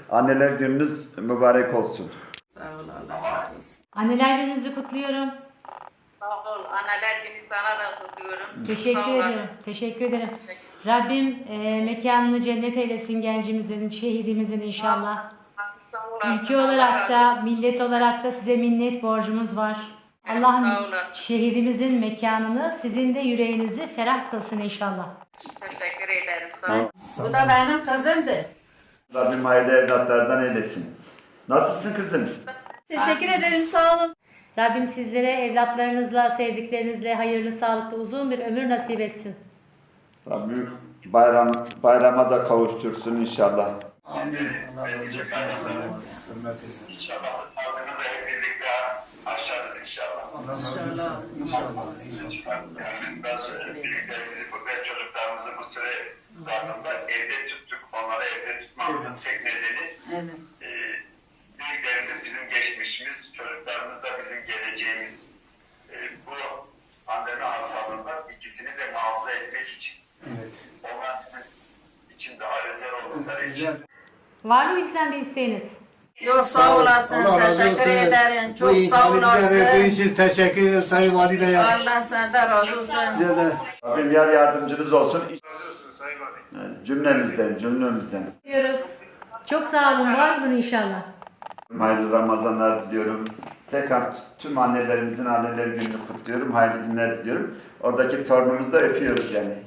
Anneler gününüz mübarek olsun. Sağ ol, Allah razı olsun. Anneler gününüzü kutluyorum. Sağ ol, anneler günü sana da kutluyorum. Teşekkür Sağ olasın. ediyorum. Teşekkür ederim. Teşekkür. Rabbim mekanını cennet eylesin gencimizin, şehidimizin inşallah. Sağ olasın. Ülke Allah olarak razı da, olsun. millet olarak da size minnet borcumuz var. Evet, sağ Allah'ım olasın. şehidimizin mekanını, sizin de yüreğinizi ferah kılsın inşallah. Teşekkür ederim. Sağ ol. Bu da benim kızımdı. Rabbim hayırlı evlatlardan eylesin. Nasılsın kızım? Teşekkür ederim, sağ olun. Rabbim sizlere evlatlarınızla, sevdiklerinizle hayırlı, sağlıklı, uzun bir ömür nasip etsin. Rabbim bayrama da kavuştursun inşallah. Amin. Allah razı olsun. Hürmet etsin. İnşallah sağlığını da hep birlikte aşarız inşallah. Allah razı olsun. İnşallah. Yani bazı büyüklerimizi ve çocuklarımızı bu süre zarfında evde tuttuk. Onları evde tutmamızın tek nedeni Evet. büyüklerimiz bizim geçmişimiz, çocuklarımız da bizim geleceğimiz. Bu pandemi hastalığında ikisini de muhafaza etmek için. Evet. Onlar için daha özel oldukları için. Güzel. Var mı bizden bir isteğiniz? Yok sağ olasın. Allah razı Teşekkür olsun. ederim. Bu Çok sağ imkanı bize verdiği olasın. için teşekkür ederim Sayın Vali Bey'e. Allah senden razı olsun. Size de. Rabbim yar yardımcınız olsun. Razı olsun Sayın Vali. Cümlemizden. Diyoruz. Çok sağ olun. Var olun inşallah. Hayırlı Ramazanlar diliyorum. Tekrar tüm annelerimizin anneler gününü kutluyorum. Hayırlı günler diliyorum. Oradaki torunumuzu da öpüyoruz yani.